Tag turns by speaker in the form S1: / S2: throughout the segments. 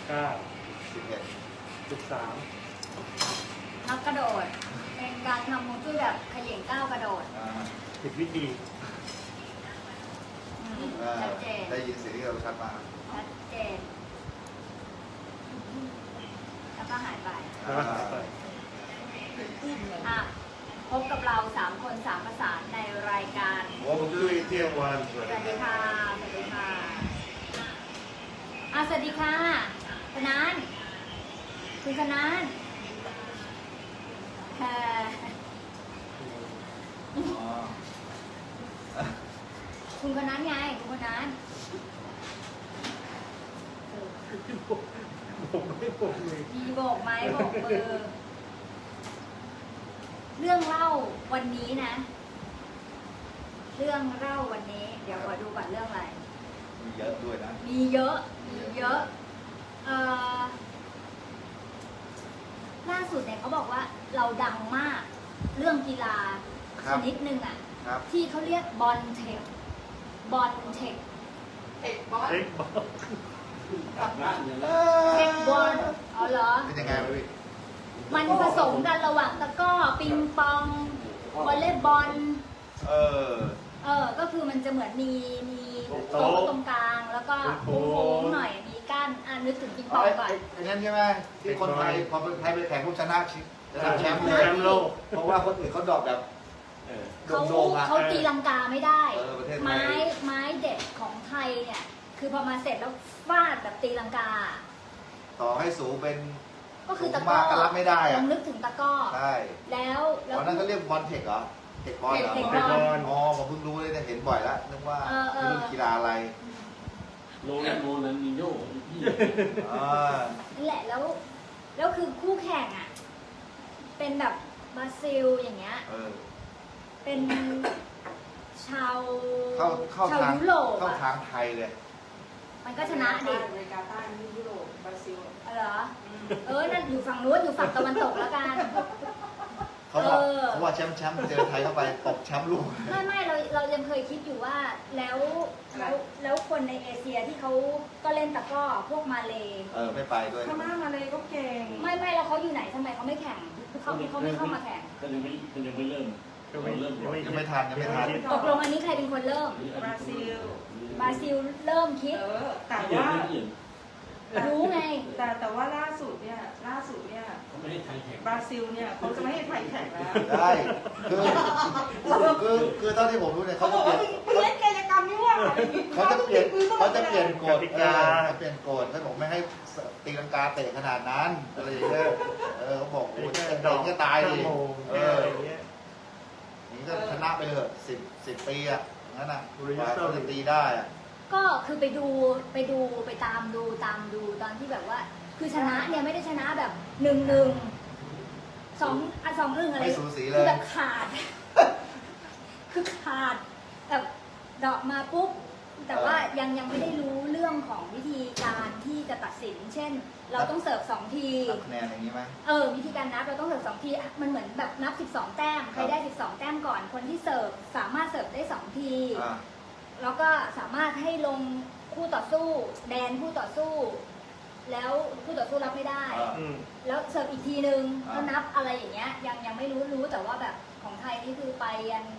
S1: 13
S2: นักกระโดดเป็นการทำฮวงจุ้ยแบบเขย่งก้าวกระโดด
S1: ผิดวิธี
S2: ชัดเจน
S3: ได้ยินเสียงที่เราชัดมาก
S2: ชัดเจนแล้วก็หายไปพบกับเรา3 คน 3 ภาษาในรายการ
S3: ฮวงจุ้ยเที่ยงวัน
S2: สวัสดีค่ะสวัสดีค่ะสวัสดีค่ะคณานคุณคณานคุณคณานไงคุณคณานมีโบกไม้โบกมือเรื่องเล่าวันนี้นะเรื่องเล่าวันนี้เดี๋ยวขอดูก่อนเรื่องอะไร
S3: มีเยอะด้วยนะ
S2: มีเยอะล่าสุดเนี่ยเขาบอกว่าเราดังมากเรื่องกีฬาชนิดหนึ่งที่เขาเรียกบอลเทคบอลเทค
S3: บอล
S2: อ๋อเหรอ
S3: เป็นยังไงพี่
S2: มันผสมกันระหว่างตะก้อปิงปองวอลเลย์บอลก็คือมันจะเหมือนมีโต๊ะตรงกลางแล้วก็โค้งๆหน่อยมีก้านนึกถึงปิงปองก่อน
S3: อย่างนั้นใช่ไหมที่คนไทยพอคนไทยไปแข่งพวกชนะแชมป์โลกเพราะว่าคนอื่นเขาดอกแบบ
S2: เขาตีลังกาไม่ได้ไม้เด็ดของไทยเนี่ยคือพอมาเสร็จแล้วฟาดแบบตีลังกา
S3: ต่อให้สูงเป็น
S2: ก็คือตะก้อ
S3: ก็รับไม่ได้
S2: ลองนึกถึงตะก้อ
S3: ใช่
S2: แล้ว
S3: นั่นก็เรียกบอลเทคเหรอเทคบอลเหรออ๋อผมเพิ่งรู้เลยเนี่ยเห็นบ่อยแล้วนึกว่าเรื่องกีฬาอะไร
S1: โรนัลดิโญ่
S2: นั่นแหละแล้วคือคู่แข่งอ่ะเป็นแบบบราซิลอย่างเงี้ยเป็นชาวยุโรป
S3: เข้าทางไทยเลย
S2: มันก็ชนะดิ
S4: อเมริกาใต้ยุโรปบราซิล
S2: เหรอนั่นอยู่ฝั่งนู้นอยู่ฝั่งตะวันตกแล้วกัน
S3: เขาว่าแชมป์เจอไทยเข้าไปตกแชมป์ลูก
S2: ไม่เรายังเคยคิดอยู่ว่าแล้วคนในเอเชียที่เขาก็เล่นตะก้อพวกมาเล
S3: ไม่ไปด้วย
S4: พม่ามาเลก็เก่ง
S2: ไม่แล้วเขาอยู่ไหนทำไมเขาไม่แข่งเขาไม่เข้ามาแข่ง
S1: ก็ยังไม่เริ่ม
S3: ยังไม่ทัน
S2: ตกลงอันนี้ใครเป็นคนเริ่ม
S4: บราซิ
S2: ลเริ่มคิด
S4: แต่ว่า
S2: รู้ไง
S4: แต่ว่าล่าสุดเนี่ย
S1: เขาไม่ให้ไทยแข่ง
S4: บราซิลเนี่ยเขาจะไม่ให้ไทยแข่งแล้ว
S3: ได้คือตอนที่ผมรู้เนี่ยเขาจะ
S4: เล่นกิจกรรมนี่ว่า
S3: เขาจะเปลี่ยนกฎเปลี่ยนกฎเขาบอกไม่ให้ตีลังกาเตะขนาดนั้นอะไรอย่างเงี้ยเขาบอกโอ้ยเตะก็ตายดินี่ก็ชนะไปเถอะ10 ปีอ่ะงั้นน่ะเขาจะตีได้อ่ะ
S2: ก็คือไปตามดูตอนที่แบบว่าคือชนะเนี่ยไม่ได้ชนะแบบ1-1 2-1อะไรคือแบบขาดแบบดอกมาปุ๊บแต่ว่ายังไม่ได้รู้เรื่องของวิธีการที่จะตัดสินเช่นเราต้องเสิร์ฟ2 ที
S3: คะแนนอย่างนี้ไหม
S2: วิธีการนับเราต้องเสิร์ฟ2 ทีมันเหมือนแบบนับ12 แต้มใครได้12 แต้มก่อนคนที่เสิร์ฟสามารถเสิร์ฟได้2 ทีแล้วก็สามารถให้ลงคู่ต่อสู้แดนคู่ต่อสู้แล้วคู่ต่อสู้รับไม่ได้แล้วเสิร์ฟอีกทีนึงก็นับอะไรอย่างเงี้ยยังไม่รู้แต่ว่าแบบของไทยนี่คือไปยัน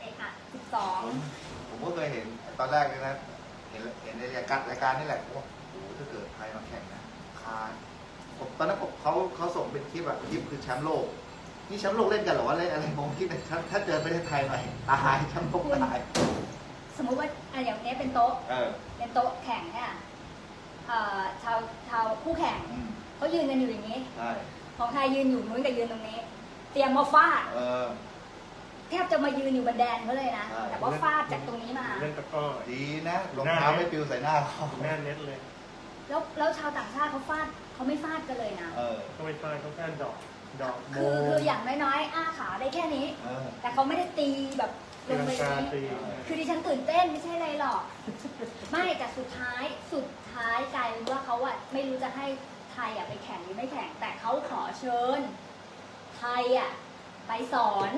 S2: 12ผม
S3: ก็เคยเห็นตอนแรกเลยนะเห็นในรายการนี่แหละว่าโอ้ถ้าเกิดไทยมาแข่งนะตอนนั้นเขาส่งเป็นคลิปคือแชมป์โลกนี่แชมป์โลกเล่นกันหรอว่าเล่นอะไรผมคิดถ้าเจอประเทศไทยหน่อยตายแชมป์โลกตาย
S2: สมมุติว่าอย่างนี้เป็นโต๊ะแข่งเนี่ยชาวคู่แข่งเขายืนกันอยู่อย่างนี้ของไทยยืนอยู่นู้นกับยืนตรงนี้เตรียมมาฟาดแทบจะมายืนอยู่บนแดนเขาเลยนะแต่ว่าฟาดจากตรงนี้มา
S1: เล่นตะก้อ
S3: ดีนะรองเท้าไม่ปลิวใส่หน้าเขา
S1: หน้าเน็ตเลย
S2: แล้วชาวต่างชาติเขาไม่ฟาดกันเลยนะ
S1: เขาไม่ฟาดเขาแค่ดอก
S2: คืออย่างน้อยๆอ้าขาได้แค่นี้แต่เขาไม่ได้ตีแบบลงไปนี้คือดิฉันตื่นเต้นไม่ใช่อะไรหรอกไม่แต่สุดท้ายกลายเป็นว่าเขาไม่รู้จะให้ไทยไปแข่งหรือไม่แข่งแต่เขาขอเชิญไทยไปสอน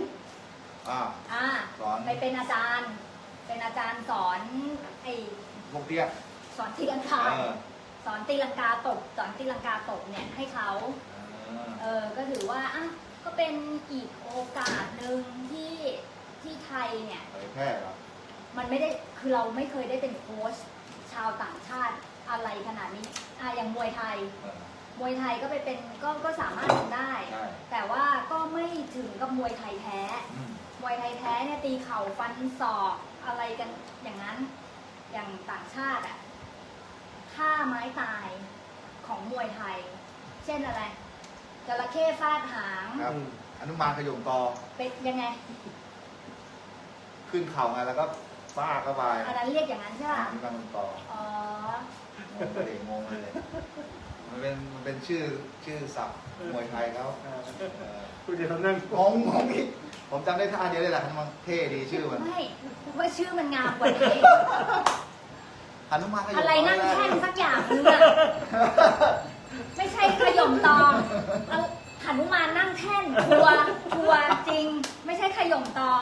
S2: ไปเป็นอาจารย์สอนไอ้
S3: พวกเตี้ย
S2: สอนตีลังกาสอนตีลังกาตบสอนตีลังกาตบเนี่ยให้เขาก็ถือว่าอ่ะก็เป็นอีกโอกาสหนึ่งที่ไทยเนี่ย
S3: เผยแพร่เหรอ
S2: มันไม่ได้คือเราไม่เคยได้เป็นโค้ชชาวต่างชาติอะไรขนาดนี้อย่างมวยไทย มวยไทยก็ไปเป็นก็สามารถทำได้
S3: ใช่
S2: แต่ว่าก็ไม่ถึงกับมวยไทยแท้ มวยไทยแท้เนี่ยตีเข่าฟันศอกอะไรกันอย่างนั้น อย่างต่างชาติอ่ะท่าไม้ตายของมวยไทย เช่นอะไรจระเข้ฟาดหาง
S3: ครับอนุมานขยมตอ
S2: เป็นยังไง
S3: ขึ้นเข่าไงแล้วก็ฟาดเข้าไป
S2: อันนั้นเรียกอย่างนั้นใช่
S3: อ
S2: ป่ะ
S3: นุมานขยมตอ
S2: อ๋อ
S3: งงเลยมันเป็นชื่อศัพท์มวยไทยเขา
S1: คุณจะทำนั่ง
S3: งงอีกผมจำได้ท่าเดียวเลยแหละมันเท่ดีชื่อมัน
S2: ไม่ว่าชื่อมันงามกว่านี้
S3: อนุมานขยมตอ
S2: อะไรนั่งแท่นสักอย่างนึงอะไม่ใช่ขย่มตองหนุมานนั่งแท่นทัวร์จริง ไม่ใช่ขย่มตอ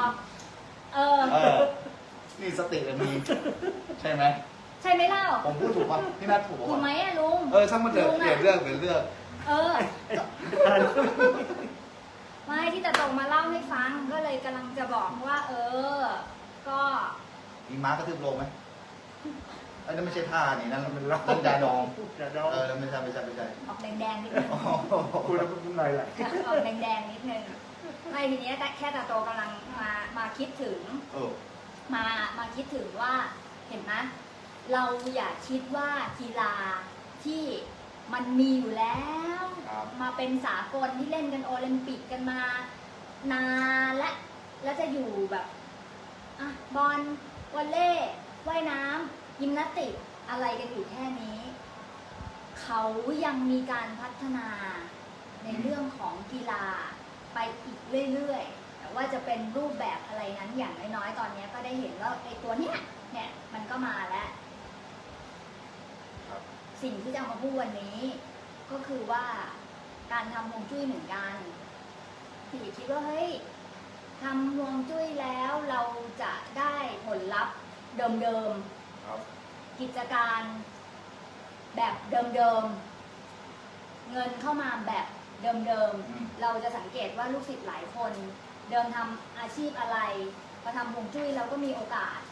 S3: นี่สติเลยมีใช่ไหม
S2: ใช่ไหมเล่า
S3: ผมพูดถูกป่ะพี่นัทถูก
S2: ถูกไหม
S3: ป่ะ
S2: อะลุง
S3: ช่างมันเถอะเปลี่ยนเรื่อง
S2: ไม่ที่แต่ตรงมาเล่าให้ฟังก็เลยกำลังจะบอกว่าก็
S3: มีม้ากระทืบลงไหมอันนั้นไม่ใช่ท่านี่นั่นมันยาดอง
S1: อย่าดอง
S3: ไม่ใช่
S2: ออกแดงๆนิดนึง
S1: คุณจะเป็นอะไรล่ะ
S2: ออกแดงๆนิดนึงไม่ทีนี้แต่แค่ตาโตกำลังมาคิดถึงมาคิดถึงว่าเห็นไหมเราอย่าคิดว่ากีฬาที่มันมีอยู่แล้ว มาเป็นสากลที่เล่นกันโอลิมปิกกันมานานแล้วจะอยู่แบบบอลวอลเลย์ว่ายน้ำยิมนาสติกอะไรกันอยู่แค่นี้ เขายังมีการพัฒนาในเรื่องของกีฬาไปอีกเรื่อยๆแต่ว่าจะเป็นรูปแบบอะไรนั้นอย่างน้อยๆตอนนี้ก็ได้เห็นว่าไอ้ตัวเนี้ยมันก็มาแล้วสิ่งที่จะเอามาพูดวันนี้ก็คือว่าการทำฮวงจุ้ยเหมือนกันที่คิดว่าเฮ้ยทำฮวงจุ้ยแล้วเราจะได้ผลลัพธ์เดิมๆกิจการแบบเดิมๆเงินเข้ามาแบบเดิมๆเราจะสังเกตว่าลูกศิษย์หลายคนเดิมทำอาชีพอะไรพอทำฮวงจุ้ยเราก็มีโอกาส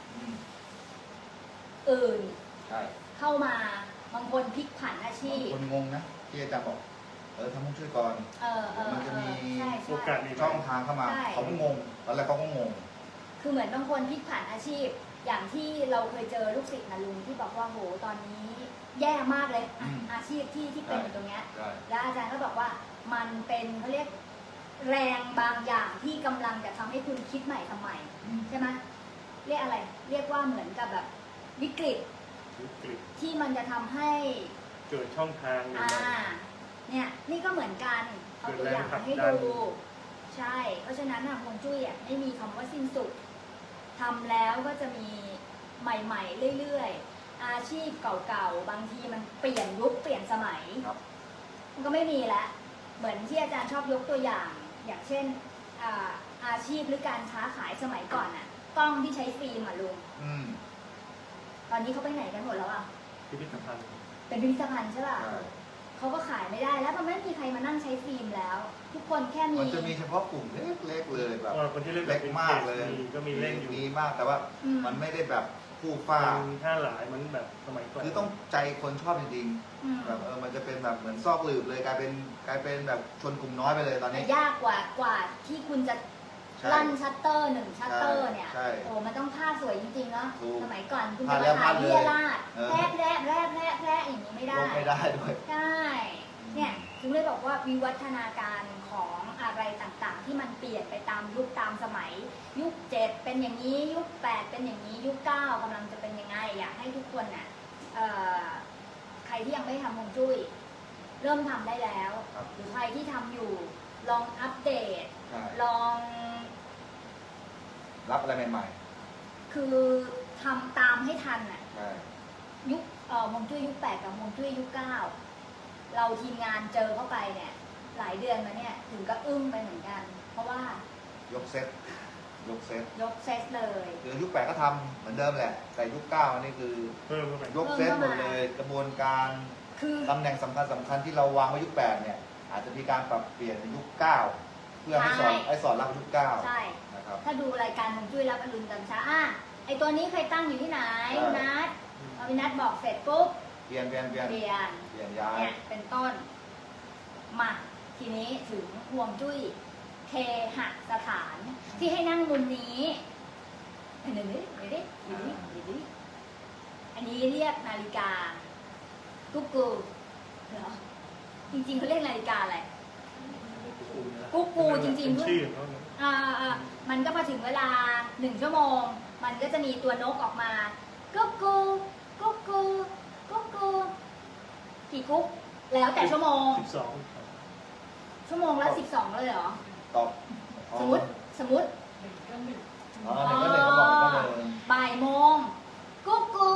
S2: อื่นเข้ามาบางคนพลิกผันอาชีพ
S3: คนงงนะที่อาจารย์บอกทำฮวงจุ้ยก่อนมันจะมี
S1: โอกาส
S3: ช่องทางเข้ามาเขาก็งงตอนแรกเขาก็งง
S2: คือเหมือนบางคนพลิกผันอาชีพอย่างที่เราเคยเจอลูกศิษย์นะลุงที่บอกว่าโหตอนนี้แย่มากเลยอาชีพที่เป็นอยู่ตรงเนี้ยแล้วอาจารย์ก็บอกว่ามันเป็นเขาเรียกแรงบางอย่างที่กำลังจะทำให้คุณคิดใหม่ทำใหม่ใช่ไหมเรียกอะไรเรียกว่าเหมือนกับแบบวิกฤตที่มันจะทำให้
S1: เกิดช่องทาง
S2: เนี่ยนี่ก็เหมือนกันเอาตัวอย่างให้ดูใช่เพราะฉะนั้นฮวงจุ้ยไม่มีคำว่าสิ้นสุดทำแล้วก็จะมีใหม่ๆเรื่อยๆอาชีพเก่าๆบางทีมันเปลี่ยนยุคเปลี่ยนสมัยมันก็ไม่มีแล้วเหมือนที่อาจารย์ชอบยกตัวอย่างเช่นอาชีพหรือการค้าขายสมัยก่อนกล้องที่ใช้ฟิล์มลุงตอนนี้เขาไปไหนกันหมดแล้ว
S1: พิพิธภัณฑ์
S2: เป็นพิพิธภัณฑ์ใช่ป่ะเขาก็ขายไม่ได้แล้วมันไม่มีใครมานั่งใช้ฟิล์มแล้วทุกคนแค่มี
S3: มันจะมีเฉพาะกลุ่มเล็กๆเลยแบบ
S1: คนที่เล็ก
S3: มากเลย
S1: ก็มีเล่นอยู่
S3: มีมากแต่ว่ามันไม่ได้แบบผู้ฟ้า
S1: ท่าหลายมันแบบสมัยก่อน
S3: คือต้องใจคนชอบจริงๆแบบมันจะเป็นแบบเหมือนซอกหลืบเลยกลายเป็นแบบชนกลุ่มน้อยไปเลยตอนนี้
S2: ยากกว่าที่คุณจะลั่นชัตเตอร์1ชัตเตอร์เนี่ยโอ้มันต้องภาพสวยจริงๆเนาะสมัยก่อนคุณจะมาถ่ายเรียราดแพร่อย่างนี้ไม่ได้
S3: ด้วย
S2: ใช่เนี่ยถึงเลยบอกว่าวิวัฒนาการของอะไรต่างๆที่มันเปลี่ยนไปตามยุคตามสมัยยุค7เป็นอย่างนี้ยุค8เป็นอย่างนี้ยุค9กำลังจะเป็นยังไงอยากให้ทุกคนใครที่ยังไม่ทำฮวงจุ้ยเริ่มทำได้แล้วหรือใครที่ทำอยู่ลองอัปเดตลอง
S3: รับอะไรใหม่
S2: ๆคือทำตามให้ทันยุคฮวงจุ้ยยุค8กับฮวงจุ้ยยุค9เราทีมงานเจอเข้าไปเนี่ยหลายเดือนมาเนี่ยถึงก็อึ้งไปเหมือนกันเพราะว่าย
S3: กเซต
S2: เลย
S3: คือยุค8ก็ทำเหมือนเดิมแหละแต่ยุค9นี่คือยกเซตหมดเลยกระบวนการ
S2: คือ
S3: ตำแหน่งสำคัญที่เราวางไว้ยุค 8เนี่ยอาจจะมีการปรับเปลี่ยนในยุค 9 เพื่อให้สอนรับยุค 9
S2: ใช่
S3: นะครับ
S2: ถ้าดูรายการฮวงจุ้ยรับอรุณตอนเช้าไอตัวนี้เคยตั้งอยู่ที่ไหนนัดพอพี่นัดบอกเสร็จปุ๊บ
S3: เปลี่ยน
S2: เปลี่ยน
S3: ย้าย
S2: เนี่ยเป็นต้นมาทีนี้ถึงฮวงจุ้ยเคหสถานที่ให้นั่งมุมนี้เดี๋ยวอันนี้เรียกนาฬิกากุ๊กกูเหรอจริงๆเขาเรียกนาฬิกาอะไร กุ๊กกูจริงๆ
S1: เป็นชื่อของเขาเนี่ย
S2: มันก็พอถึงเวลา1 ชั่วโมง มันก็จะมีตัวนกออกมากุ๊กกูกุ๊กกูกุ๊กกูกี่กุ๊กแล้วแต่ชั่วโมง
S1: 12
S2: ชั่วโมงละ12เลยเหรอ
S3: ตอบ
S2: สมมติ
S3: อ๋อหนึ่งก็หนึ่งก็บอกหนึ่งก็หนึ่ง
S2: บ่ายโมงกุ๊กกู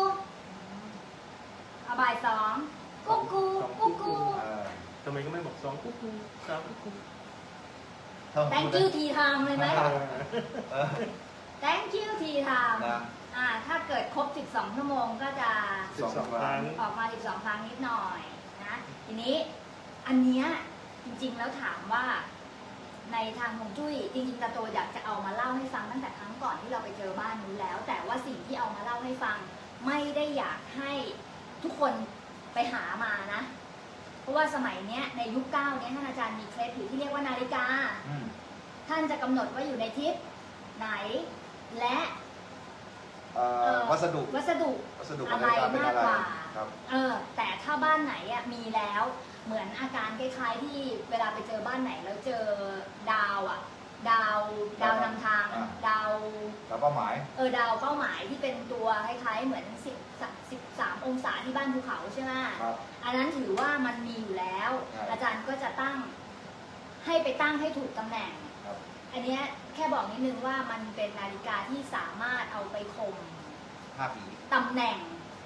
S2: บ่าย2กุ๊กกูกุ๊กกู
S1: ทำไมก็ไม่บอก2กุ๊กกู3กุ๊กกู
S2: thank you tea time เลยไหม
S3: เออ
S2: thank you tea time
S3: นะ
S2: ถ้าเกิดครบ12 ชั่วโมงก็จะ
S1: 12 ครั้ง
S2: ออกมา 12 ครั้งนิดหน่อยนะ ทีนี้อันเนี้ยจริงๆแล้วถามว่าในทางฮวงจุ้ยจริงๆตาโตอยากจะเอามาเล่าให้ฟังตั้งแต่ครั้งก่อนที่เราไปเจอบ้านนู้นแล้ว แต่ว่าสิ่งที่เอามาเล่าให้ฟังไม่ได้อยากให้ทุกคนไปหามานะ เพราะว่าสมัยเนี้ยในยุค9เนี้ยท่านอาจารย์มีเคล็ดอยู่ที่เรียกว่านาฬิกา ท่านจะกำหนดว่าอยู่ในทิศไหนและ
S3: วัสดุ
S2: วัสดุ
S3: อะไรเป็นอะไรครับ
S2: แต่ถ้าบ้านไหนมีแล้วเหมือนอาการคล้ายๆที่เวลาไปเจอบ้านไหนแล้วเจอดาวดาวนำทางดาว
S3: เป้าหมาย
S2: ดาวเป้าหมายที่เป็นตัวคล้ายๆเหมือน13 องศาที่บ้านภูเขาใช่ไหม
S3: ครับ
S2: อันนั้นถือว่ามันมีอยู่แล้ว อาจารย์ก็จะตั้งให้ไปตั้งให้ถูกตำแหน่ง
S3: ครับ
S2: อันเนี้ยแค่บอกนิดนึงว่ามันเป็นนาฬิกาที่สามารถเอาไปข่ม
S3: 5 ผี
S2: ตำแหน่ง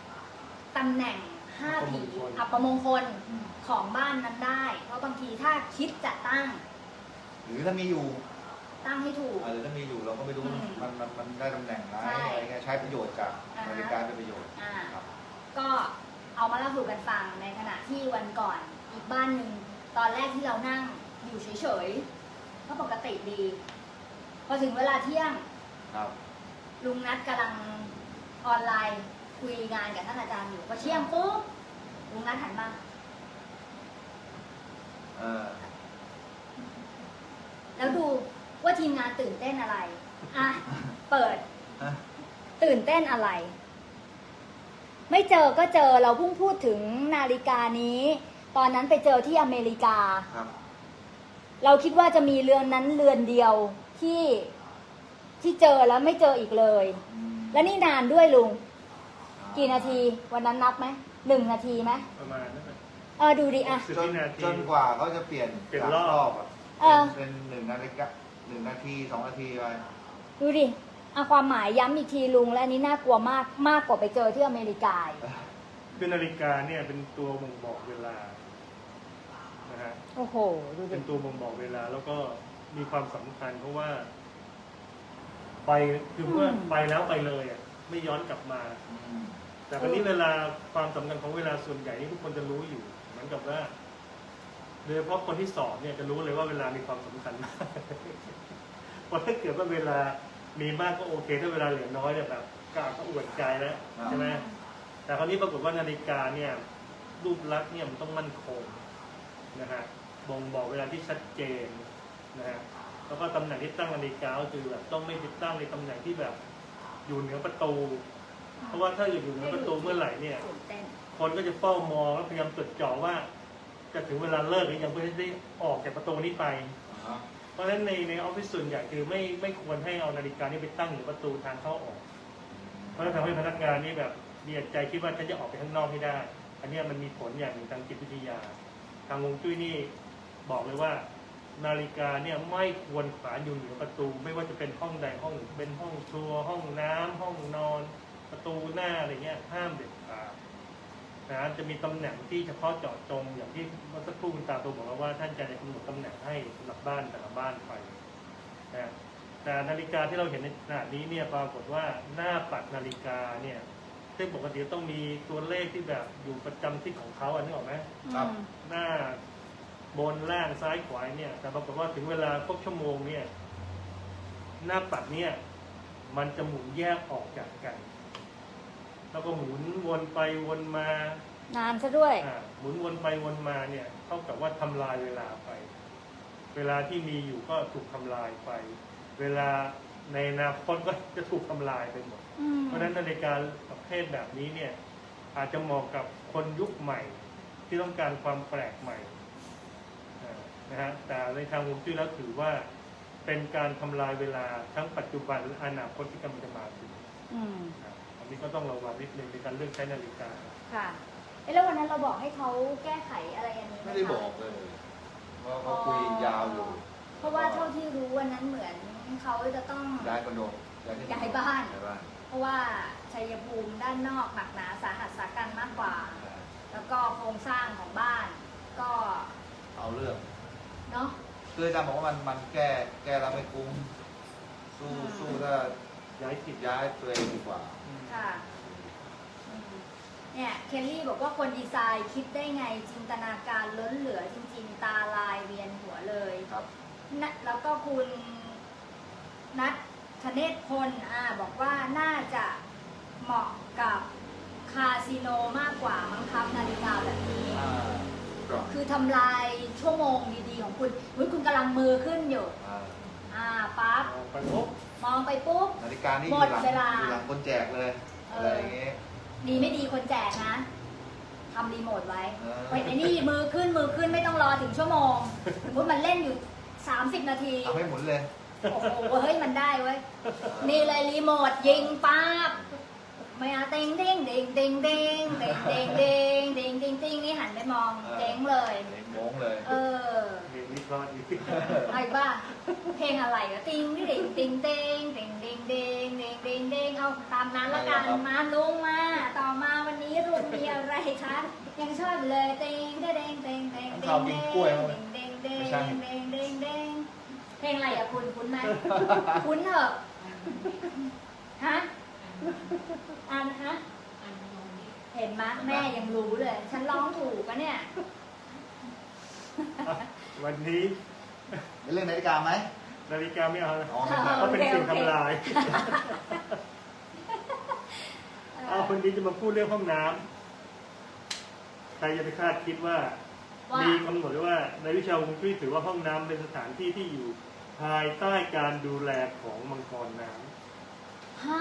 S2: 5 ผีอัปมงคลของบ้านนั้นได้ เพราะบางทีถ้าคิดจะตั้ง
S3: หรือถ้ามีอยู่
S2: ตั้งให้ถูก
S3: หรือถ้ามีอยู่เราก็ไม่รู้มันได้ตำแหน่งไหน
S2: ใช่
S3: อะไรเงี้ยใช้ประโยชน์จากนาฬิกาเป็นประโยชน์ครับ
S2: ก็เอามาเล่าสู่กันฟังในขณะที่วันก่อนอีกบ้านหนึ่งตอนแรกที่เรานั่งอยู่เฉยๆก็ปกติดี พอถึงเวลาเที่ยง
S3: ครับ
S2: ลุงนัดกำลังออนไลน์คุยงานกับท่านอาจารย์อยู่พอเที่ยงปุ๊บลุงนัดหันมา แล้วดูว่าทีมงานตื่นเต้นอะไร เปิด ตื่นเต้นอะไร ไม่เจอก็เจอเราเพิ่งพูดถึงนาฬิกานี้ ตอนนั้นไปเจอที่อเมริกา
S3: ครับ
S2: เราคิดว่าจะมีเรือนนั้นเรือนเดียวที่เจอแล้วไม่เจออีกเลย และนี่นานด้วยลุง กี่นาที วันนั้นนับไหม1 นาทีไหม
S1: ประมาณนั้น
S2: ดูดิ
S3: จนกว่าเขาจะเปลี่ยน
S1: รอบ
S3: เป็น1 นาฬิกา1 นาที 2 นาทีไป
S2: ดูดิความหมายย้ำอีกทีลุงและอันนี้น่ากลัวมากกว่าไปเจอที่อเมริกา
S1: คือนาฬิกาเนี่ยเป็นตัวบ่งบอกเวลานะฮะ
S2: โอ้โหดูดิ
S1: เป็นตัวบ่งบอกเวลาแล้วก็มีความสำคัญเพราะว่าไปคือเมื่อไปแล้วไปเลยไม่ย้อนกลับมา แต่วันนี้เวลาความสำคัญของเวลาส่วนใหญ่นี่ทุกคนจะรู้อยู่เหมือนกับว่าโดยเฉพาะคนที่สอบเนี่ยจะรู้เลยว่าเวลามีความสำคัญมากเพราะถ้าเกิดว่าเวลามีมากก็โอเคถ้าเวลาเหลือน้อยเนี่ยแบบกล้าก็อวดใจแล้วใช่ไหมแต่คราวนี้ปรากฏว่านาฬิกาเนี่ยรูปลักษณ์เนี่ยมันต้องมั่นคงนะฮะบ่งบอกเวลาที่ชัดเจนนะฮะแล้วก็ตำแหน่งที่ตั้งนาฬิกาก็คือแบบต้องไม่ติดตั้งในตำแหน่งที่แบบอยู่เหนือประตู เพราะว่าถ้าอยู่เหนือประตูเมื่อไหร่เนี่ยคนก็จะเฝ้ามองแล้วพยายามจดจ่อว่าจะถึงเวลาเลิกหรือยังเพื่อที่ได้ออกจากประตูนี้ไปเพราะฉะนั้นในออฟฟิศส่วนใหญ่คือไม่ควรให้เอานาฬิกานี้ไปตั้งอยู่ประตูทางเข้าออกเพราะทำให้พนักงานนี่แบบมีใจคิดว่าฉันจะออกไปข้างนอกให้ได้อันนี้มันมีผลอย่างหนึ่งทางจิตวิทยาทางฮวงจุ้ยนี่บอกเลยว่านาฬิกาเนี่ยไม่ควรขวางอยู่เหนือประตูไม่ว่าจะเป็นห้องใดห้องหนึ่งเป็นห้องครัวห้องน้ำห้องนอนประตูหน้าอะไรเงี้ยห้ามเด็ดขาดนะจะมีตำแหน่งที่เฉพาะเจาะจงอย่างที่เมื่อสักครู่คุณตาโตบอกว่าท่านจะกำหนดตำแหน่งให้สำหรับบ้านแต่ละบ้านไปนะแต่นาฬิกาที่เราเห็นในขณะนี้เนี่ยปรากฏว่าหน้าปัดนาฬิกาเนี่ยซึ่งปกติต้องมีตัวเลขที่แบบอยู่ประจำทิศของเขาอันนี้ออกไหม
S3: ครับ
S1: หน้าบนล่างซ้ายขวาเนี่ยแต่ปรากฏว่าถึงเวลาครบชั่วโมงเนี่ยหน้าปัดเนี่ยมันจะหมุนแยกออกจากกัน แล้วก็หมุนวนไปวนมาน
S2: านซะด้วย
S1: หมุนวนไปวนมาเนี่ยเท่ากับว่าทำลายเวลาไป เวลาที่มีอยู่ก็ถูกทำลายไป เวลาในอนาคตก็จะถูกทำลายไปหมด เพราะฉะนั้นนาฬิกาประเภทแบบนี้เนี่ยอาจจะเหมาะกับคนยุคใหม่ที่ต้องการความแปลกใหม่นะฮะแต่ในทางฮวงจุ้ยแล้วถือว่าเป็นการทำลายเวลาทั้งปัจจุบันและอนาคตที่กำลังจะมาถึงอันนี้ก็ต้องระวังนิดนึงในการเลือกใช้นาฬิกา
S2: ค่ะแล้ววันนั้นเราบอกให้เขาแก้ไขอะไรอันนี้ห
S3: ไม่ได้บอกเลยว่าเขาคุยยาวอยู่
S2: เพราะว่าเท่าที่รู้วันนั้นเหมือนเขาจะต้อง
S3: ย้ายคอนโดย้ายบ้าน
S2: เพราะว่าชัยภูมิด้านนอกหนักหนาสาหัสสากันมากกว่า แล้วก็โครงสร้างของบ้านก็
S3: เอาเรื่อง
S2: เนาะ
S3: คืออาจารย์บอกว่ามันแก้แล้วไม่คุ้มสู้ถ้า
S1: ย้ายถิ่น
S3: ย้ายตัวเองดีกว่า
S2: ค่ะเนี่ยเคลลี่บอกว่าคนดีไซน์คิดได้ไงจินตนาการล้นเหลือจริงๆ ตาลายเวียนหัวเลย
S3: ครับ
S2: นะแล้วก็คุณนัทธเนศพลบอกว่าน่าจะเหมาะกับคาสิโนมากกว่ามั้งครับนาฬิกาแบบนี้ คือทำลายชั่วโมงดีๆของคุณคุณกำลังมือขึ้นอยู่ปั๊บ
S1: ไปปุ๊บ
S2: มองไปปุ๊บ
S3: นาฬิกานี่
S2: หมดเวลา
S3: อยู่หลังคนแจกเลยอะไรอย่างเงี้ย
S2: ดีไม่ดีคนแจกนะทำรีโมทไว้
S3: เออ
S2: ไว้ในนี่มือขึ้นไม่ต้องรอถึงชั่วโมงสมมติมันเล่นอยู่30 นาที
S3: เอาให้หมุนเลย
S2: โอ้โหเฮ้ยมันได้เว้ยนี่เลยรีโมทยิงปั๊บไม่เอาเต็งเด้งเด้งเด้งเด้งเด้งเด้งเด้งเด้งเด้งเด้งนี่หันไปมองเด้งเลย
S3: โม้งเลย
S1: เรียนวิเคราะห์อีก
S2: ไอ้บ้าเพลงอะไรอะติงนี่เด้งติงเด้งเด้งเด้งเด้งเด้งเด้งเด้งเอาตามนั้นละกันมาลุงมาต่อมาวันนี้รุ่นมีอะไรคะยังชอบอยู่เลยเด้งเด้งเด้งเด้งเด้งเด้งเด้งเด้งเด้งเด้งเด้งเด้งเด้งเพลงอะไรอะคุ้นไหมคุ้นเหรอฮะฮะเห็นไหมแม่ยังรู้เลย ฉันร้องถูกอะเนี่ย
S1: วันนี้
S3: เป็นเรื่องนาฬิกาไหม
S1: นาฬิกาไม่เอา
S3: อ๋อไม่ได้
S1: เพราะเป็นสิ่งทำลาย เอาคนนี้จะมาพูดเรื่องห้องน้ำใครจะไปคาดคิดว่า มีกำหนดไว้ว่าในวิชาฮวงจุ้ยถือว่าห้องน้ำเป็นสถานที่ที่อยู่ภายใต้การดูแลของมังกรน้ำ
S2: ฮะ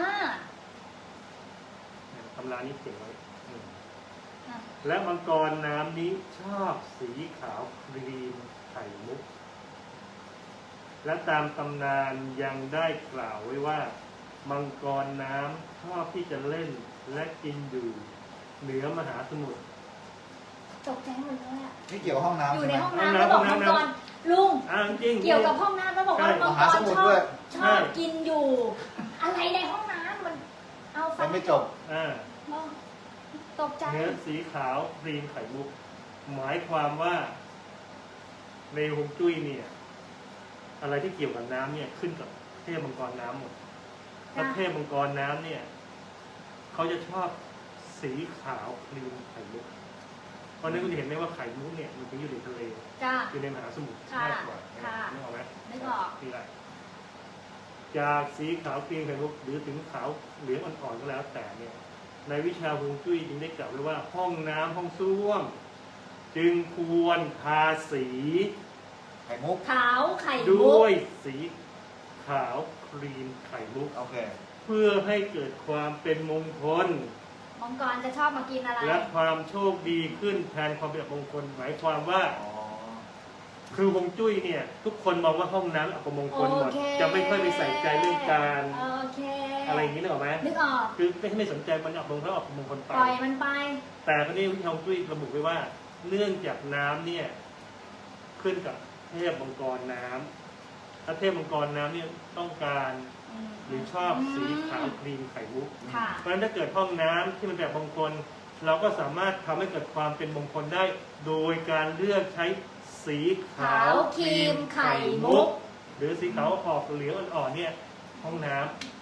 S1: ตำรานี้เขียนไว้และมังกรน้ำนี้ชอบสีขาวครีมไข่มุก และตามตำนานยังได้กล่าวไว้ว่า มังกรน้ำชอบที่จะเล่นและกินอยู่เหนือมหาสมุทร
S2: ตกใจหมดเลยอะ
S3: นี่เกี่ยวกับห้องน้ำ
S2: อยู่
S3: ใช่ไห
S2: ใน
S3: ม
S2: ห้องน้ำแล้วบอกมังกรลุง
S1: จริง
S2: เกี่ยวกับห้องน้ำแล้วบอกว่ามัง
S3: มหาก ส
S2: ร
S3: มุท
S2: ช
S3: ร
S2: อ
S3: ด้วย
S2: บกินอยู่ อะไรในห้องน้ำมันเอาฟั
S3: ยังไม่จบ
S2: ตกใจ
S1: เนื้อสีขาวครีมไข่มุก หมายความว่าในฮวงจุ้ยเนี่ยอะไรที่เกี่ยวกับน้ำเนี่ยขึ้นกับเทพมังกรน้ำหมดและเทพมังกรน้ำเนี่ยเขาจะชอบสีขาวครีมไข่มุกเพราะนั้นคุณเห็นไหมว่าไข่มุกเนี่ยมันจะอยู่ในทะเล
S2: จ้า
S1: อยู่ในมหาสมุทร
S2: ค่ะ
S1: มากกว่า
S2: ค่ะ
S1: นึกออกไหม
S2: นึกออก
S1: ที่ไรจากสีขาวครีมไข่มุกหรือถึงขาวเหลืองอ่อนๆก็แล้วแต่เนี่ยในวิชาฮวงจุ้ยจึงได้กล่าวไว้ว่าห้องน้ำห้องส้วมจึงควรทาสี
S3: ไข่มุก
S2: ขาวไข่มุ
S1: ด้
S2: ก
S1: วยสีขาวครีมไข่มุก
S3: โอเค
S1: เพื่อให้เกิดความเป็นมงคล
S2: มังกรจะชอบมากินอะไร
S1: และความโชคดีขึ้นแทนความเป็นอัปมงคล หมายความว่า
S3: อ๋อ
S1: คือฮวงจุ้ยเนี่ย ทุกคนมองว่าห้องน้ำอัปมงคลหมด
S2: โอเค
S1: จะไม่ค่อยไปใส่ใจเรื่องการ
S2: โอเค
S1: อะไรอย่างนี้นึกออกไหม
S2: นึกออก
S1: คือไม่สนใจมันอัปมงคลอัปมงคลไป
S2: ปล่อยมันไป
S1: แต่คราวนี้วิชาฮวงจุ้ยระบุไว้ว่า เนื่องจากน้ำเนี่ยขึ้นกับเทพมังกรน้ำถ้าเทพมังกรน้ำเนี่ยต้องการหรือชอบสีขาวครีมไข่มุก
S2: ค่ะ
S1: เพราะฉะนั้นถ้าเกิดห้องน้ำที่มันแบบมงคล เราก็สามารถทำให้เกิดความเป็นมงคลได้ โดยการเลือกใช้สีขาวครีมไข่มุก หรือสีขาวออกเหลืองอ่อนๆเนี่ยห้องน้ำ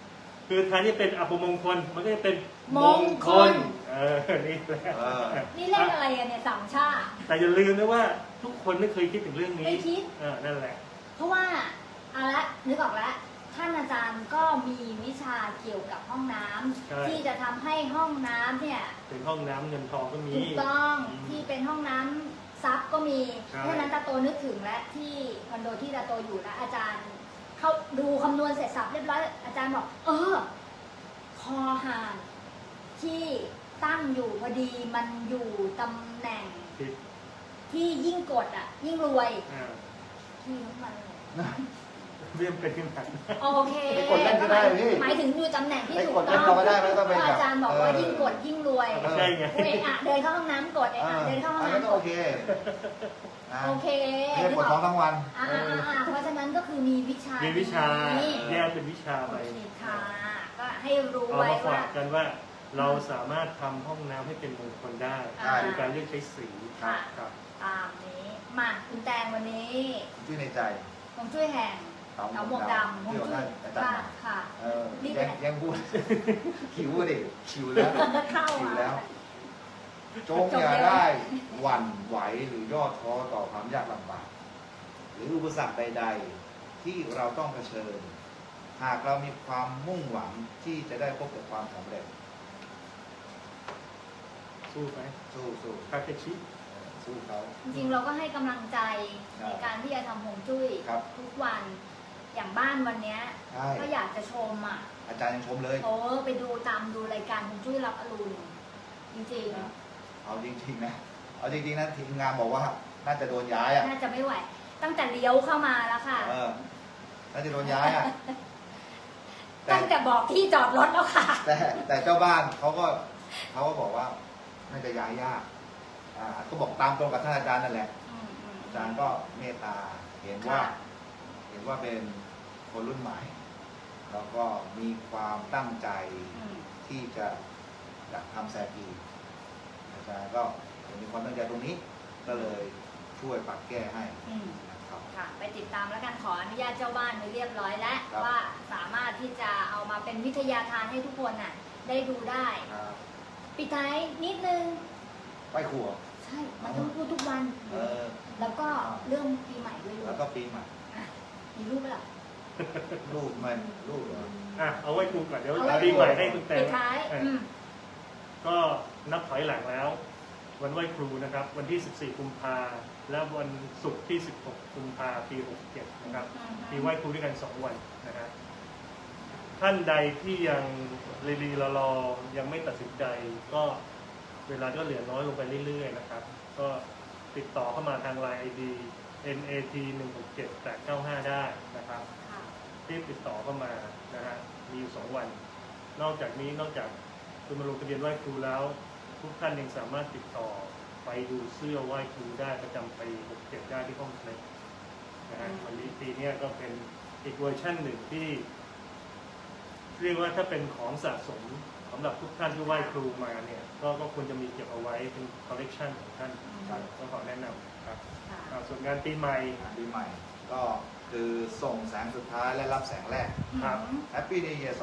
S1: คือแทนที่เป็นอัปมงคลมันก็จะเป็น
S2: มงคล
S1: นี่แหละ
S2: นี่เลขอะไรกันเนี่ยสามชาติ
S1: แต่อย่าลืมนะว่าทุกคนไม่เคยคิดถึงเรื่องนี้
S2: ไม่คิด
S1: นั่นแหละ
S2: เพราะว่าเอาละนึกออกแล้วท่านอาจารย์ก็มีวิชาเกี่ยวกับห้องน้ำ
S1: ใช่
S2: ที่จะทำให้ห้องน้ำเนี่ย
S1: เป็นห้องน้ำเงินทองก็มี
S2: ถูกต้องที่เป็นห้องน้ำซับก็มี
S1: ใช่
S2: เพราะฉะนั้นตาโตนึกถึงและที่คอนโดที่ตาโตอยู่แล้วอาจารย์เขาดูคำนวณเสร็จสับเรียบร้อยอาจารย์บอกคอหานที่ตั้งอยู่พอดีมันอยู่ตำแหน่ง
S1: ผิด
S2: ที่ยิ่งกดยิ่งรวย
S1: อ่า
S2: ที่น้ำมันเลย
S1: เรื่องเป็นขึ้นมา
S2: โอเค
S3: ไปกดเล่นก็ได้พี่
S2: หมายถึงอยู่ตำแหน่งที่
S3: ไป
S2: ถู
S3: ก
S2: ก
S3: ด
S2: ต้
S3: เล่น
S2: อง
S3: เราก็ได้ไม่ต้อง
S2: เพ
S3: ไป
S2: ราะอาจารย์บอกว่ายิ่งกดยิ่งรวย
S1: ใช่ไง
S2: เดินเข้าห้องน้ำกดเดินเข้าห้อง
S3: อันนั้น
S2: น้ำ
S3: ก็
S2: ก
S3: โอ
S2: ด
S3: เคนะ
S2: โอเค
S3: ไม่ได้ปวดท้องทั้งวัน
S2: เพราะฉะนั้นก็คือมีวิชา
S1: มีวิชา
S2: นี้
S1: แยกเป็นวิชา
S2: โอ
S1: ไป
S2: เคค่ะก็ให้รู้
S1: เอา
S2: ไว้
S1: มาฝา
S2: ว่า
S1: กกันว่าเราสามารถทำห้องน้ำให้เป็นมงคลได้
S2: ใช่
S1: โดยการเลือกใช้สี
S2: ค่ะ
S1: ครับ
S2: ตามนี้มาคุณแตงวันนี้
S3: ชื่อในใจ
S2: ผมช่วยแห่ง
S3: เต๋า
S2: เต๋าหมวกดำผม
S3: ที่เรา
S2: ช่ว
S3: ได้
S2: ย
S3: อาจาร
S2: ค่ะ
S3: ย์
S2: ค่ะ รีบไป
S3: ยังพูด หิวดิหิวแล้ว
S2: เข้า
S3: หิว
S2: มา
S3: แล้ว จงอย่าได้หวั่นไหวหรือย่อท้อต่อความยากลำบาก หรืออุปสรรคใด ๆ ที่เราต้องเผชิญ หากเรามีความมุ่งหวังที่จะได้พบกับความสำเร็จ
S1: สู้ไหม
S3: สู้สู้
S1: คาเคชิ
S3: สู้เขา
S2: จริงๆเราก็ให้กำลังใจ
S3: ครับ
S2: ในการที่จะทำฮวงจุ้ย
S3: ครับ
S2: ทุกวันอย่างบ้านวันเนี้ย
S3: ใช่
S2: ก็อยากจะชม
S3: อาจารย์ยังชมเลย
S2: ไปดูดูรายการฮวงจุ้ยรับอรุณจริง
S3: เอาจริงๆนะ เอาจริงๆนะทีมงานบอกว่าน่าจะโดนย้าย
S2: ๆ
S3: อ่ะ
S2: น่าจะไม่ไหว ตั้งแต่เลี้ยวเข้ามาแล้วค่ะ
S3: น่าจะโดนย้ายอ่ะ แต่
S2: ตั้งแต่บอกที่จอดรถแล้วค่ะ
S3: แต่เจ้าบ้านเขาก็บอกว่าน่าจะย้ายยากก็บอกตามตรงกับท่านอาจารย์นั่นแหละ อาจารย์ก็เมตตาเห็นว่า
S2: ค่ะ
S3: เป็นคนรุ่นใหม่ แล้วก็มีความตั้งใจ ที่จะทำแซกีอาจารย์ก็มีความตั้งใจตรงนี้ ก็เลยช่วยปรับแก้ให้นะครับ
S2: ค่ะ ไปติดตามแล้วกันขออนุญาตเจ้าบ้านไปเรียบร้อยแล้ว
S3: ครับ
S2: ว่าสามารถที่จะเอามาเป็นวิทยาทานให้ทุกคนได้ดูได้
S3: ครับ
S2: ปิดท้ายนิดนึง
S3: ไหว้ครัว
S2: ใช่มันต้องพูดทุกวัน แล้วก็เรื่องปีใหม่ด้วยลู
S3: แล้ว
S2: ก
S3: ก็ปีใหม่
S2: มีรูปไหมล่ะ
S3: ลูกมันลูกเหรอ
S1: เอาไว้ครูก่อนเดี๋ยว
S2: เอาไว้
S1: ปีใหม่ให้คุณแต
S2: ปิ
S1: ง
S2: ดท้าย
S1: ก็นับถอยหลังแล้ว วันไหว้ครูนะครับ วันที่ 14 กุมภาและวันศุกร์ที่ 16 กุมภาปี 67 นะครับมีไหว้ครูด้วยกัน 2 วันนะครับท่านใดที่ยังรีรอยังไม่ตัดสินใจ ก็เวลาก็เหลือน้อยลงไปเรื่อยๆนะครับ ก็ติดต่อเข้ามาทาง LINE ID NAT 167-895 ได้นะครับรีบติดต่อเข้ามานะฮะมีอยู่ 2 วัน นอกจากนี้นอกจากคุณมาลงทะเบียนไหว้ครูแล้ว ทุกท่านยังสามารถติดต่อไปดูเสื้อไหว้ครูได้ประจำปี67ได้ที่ห้องเล็กนะฮะวันนี้ปีนี้ก็เป็นอีกเวอร์ชันหนึ่งที่ เรียกว่าถ้าเป็นของสะสมสำหรับทุกท่านที่ไหว้ครูมาเนี่ยก็ควรจะมีเก็บเอาไว้เป็นคอลเลกชันของท่านก็ขอแนะนำครับส่วนงานปีใหม่
S3: ปีใหม่ ก็คือส่งแสงสุดท้ายและรับแสงแรก
S1: ครับ
S3: Happy New Year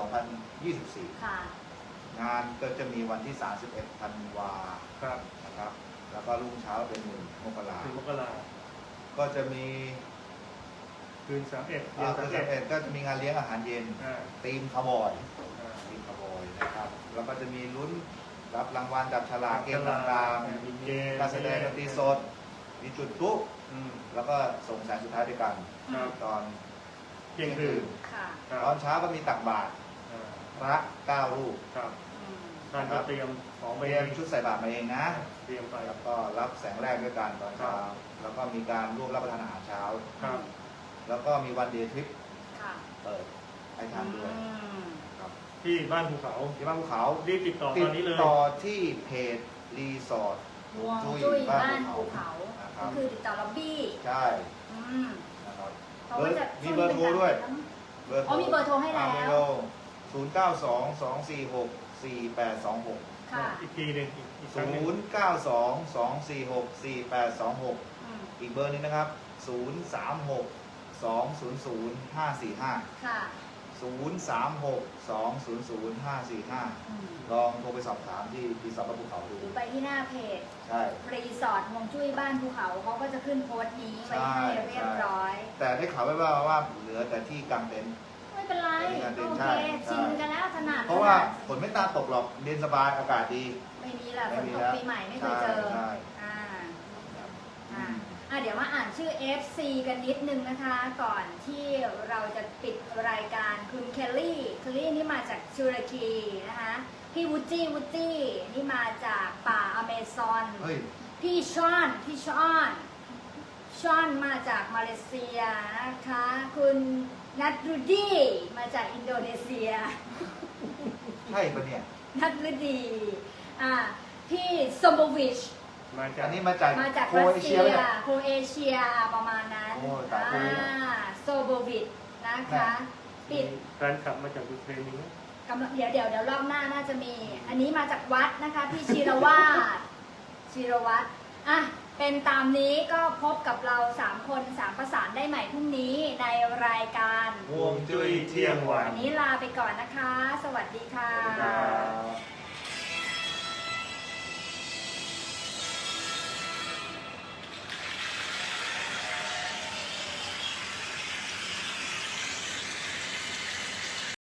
S3: 2024
S2: ค่ะ
S3: งานก็จะมีวันที่ 31 ธันวา
S1: ครับ
S3: นะครับ แล้วก็รุ่งเช้าเป็น1 มกรา
S1: ถึงมกรา
S3: ก็จะมี
S1: คืน31เดือน
S3: คือ
S1: 31
S3: ก็จะมีงานเลี้ยงอาหารเย็น
S1: อ่า
S3: ทีมคาวบอยทีมคาวบอยนะครับ แล้วก็จะมีลุ้นรับรางวัลจับฉลากเกมต่างๆ
S1: มีเกม
S3: การแสดงดนตรีสด มีจุดพลุ แล้วก็ส่งแสงสุดท้ายด้วยกัน
S1: ครับ
S3: ตอน
S1: เที่ยงคืน
S2: ค่ะ
S1: ครับ
S3: ตอนเช้าก็มีตักบาตร
S1: อ่า
S3: พระ9 รูป
S1: ครับท่านก็เตรียมของ
S3: เต
S1: ไป
S3: รียมชุดใส่บาตรมาเองนะ
S1: เตรียมไป
S3: แล้วก็รับแสงแรกด้วยกันตอนเช้า แล้วก็มีการร่วมรับประทานอาหารเช้า
S1: ครับ
S3: แล้วก็มีวันเดย์ทริป
S2: ค่ะ
S3: เปิดให้ทานด้วยครับ
S1: ที่บ้านภูเขา
S3: ที่บ้านภูเขา
S1: รีบติดต่อ
S3: ติ
S1: ต
S3: ด
S1: อนนี้เลย
S3: ต่อที่เพจรีสอร์ท
S2: ฮวงจุ้ยบ้านภูเขา
S3: นะค
S2: ก็
S3: รับ
S2: คือติดต่อล็อบบี้
S3: ใช่ นะครับ
S2: เขาก็จะ
S3: มีเบอร์โทรด้วย
S2: อ๋อมีเบอร์โทรให้แล้ว
S3: เบอร์โทร092-246-4826
S2: ค่ะ
S1: อีกทีหนึ่งอีกครั้งหนึ่ง
S3: 092-246-4826 อีกเบอร์หนึงนะครับ 036-200-545
S2: ค่ะ
S3: ลองโทรไปสอบถามที่รีสอร์ทบ้านภูเขาดู
S2: หรือไปที่หน้าเพจ
S3: ใช่
S2: รีสอร์ทฮวงจุ้ยบ้านภูเขาเขาก็จะขึ้นโพสต์นี้ไว้ให้เรียบร้อย
S3: แต่ได้ข่าวไว้ว่าเหลือแต่ที่กลางเต็นท์
S2: ไม่เป็นไร
S3: ไม่เป็นไร
S2: โอ
S3: ใช่
S2: เค
S3: ใช่
S2: ชินกันแล้วถนัด
S3: เพราะว่าฝนไม่ตาตกหรอกเย็นสบายอากาศดี
S2: ไม่มีแหละฝนตกปีใหม่ไม่เคยเจอ
S3: ใช่
S2: อ่าเดี๋ยวมาอ่านชื่อ FC กันนิดนึงนะคะ ก่อนที่เราจะปิดรายการคุณเคลลี่นี่มาจากตุรกีนะคะพี่วูจี้นี่มาจากป่าอเมซอน
S3: เฮ้ย
S2: พี่ชอนมาจากมาเลเซียนะคะ คุณนัทรุดีมาจากอินโดนีเซีย
S3: ใช่ปะเนี่ย
S2: นัทรุดีพี่สมบวิช
S1: มาจาก
S3: อันนี้มาจาก
S2: รัสเซียโครเอเชียประมาณนั้น
S3: โอ้ตายแล้ว
S2: โซโบวิชนะคะ ปิด
S1: แฟนคลับมาจากยูเครนนี้
S2: กำลังเดี๋ยวรอบหน้าน่าจะมี อันนี้มาจากวัดนะคะพี่ชีรวัตรอ่ะเป็นตามนี้ก็พบกับเรา3คน3ประสานได้ใหม่พรุ่งนี้ในรายการ
S3: ห่วงจุ้ยเที่ยงวัน
S2: วันนี้ลาไปก่อนนะคะ สวัสดีค่ะ
S3: สวัสดีครับ